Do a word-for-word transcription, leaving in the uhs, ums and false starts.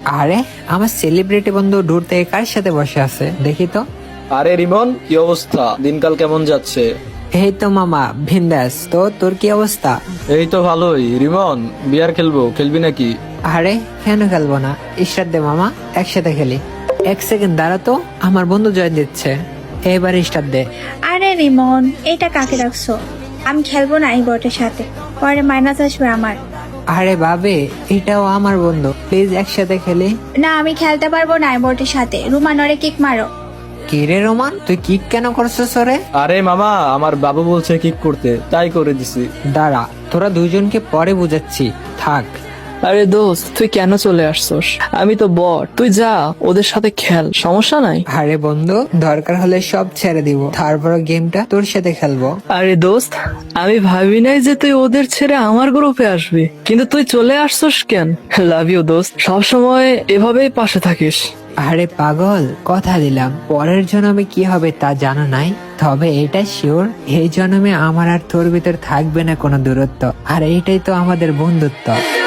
আরে আমার সেলিব্রিটি বন্ধু দূর থেকে কার সাথে বসে আছে দেখি তো। আরে রিমন, কি অবস্থা? দিনকাল কেমন যাচ্ছে? এই তো মামা বিন্দাস। তো তোর কি অবস্থা? এই তো ভালোই। রিমন, বিয়ার খেলবো, খেলবি নাকি? আরে কেন খেলবো না, স্টার্ট দে মামা, একসাথে খেলি। এক সেকেন্ড দাঁড়া তো, আমার বন্ধু জয়েন দিচ্ছে। এবার স্টার্ট দে। আরে রিমন, এটা কাকে রাখছো? আমি খেলবো না এই বটের সাথে, পরে মাইনাস আসবে আমার। আরে বাবে, এটাও আমার বন্ধু, প্লিজ একসাথে খেলি। না, আমি খেলতে পারবো না এই বটের সাথে। রুমানরে কিক মারো। কি রে রোমান, তুই কিক কেন করছিস রে? আরে মামা, আমার বাবু বলছে কিক করতে, তাই করে দিছি। দাঁড়া, তোরা দুইজনকে পরে বুঝাচ্ছি, থাক। আরে দোস্ত, তুই কেন চলে আসছস? আমি তো বট, তুই যা ওদের সাথে খেল, সমস্যা নাই। আরে বন্ধু, দরকার হলে সব ছেড়ে দিব, তারপর গেমটা তোর সাথে খেলবো। আরে দোস্ত, আমি ভাবি নাই যে তুই ওদের ছেড়ে আমার গ্রুপে আসবি, কিন্তু তুই চলে আসছস কেন? লাভ ইউ দোস্ত, সবসময় এভাবেই পাশে থাকিস। আরে পাগল, কথা দিলাম পরের জন্মে কি হবে তা জানা নাই, তবে এটা শিওর এই জন্মে আমার আর তোর ভিতর থাকবে না কোনো দূরত্ব, আর এইটাই তো আমাদের বন্ধুত্ব।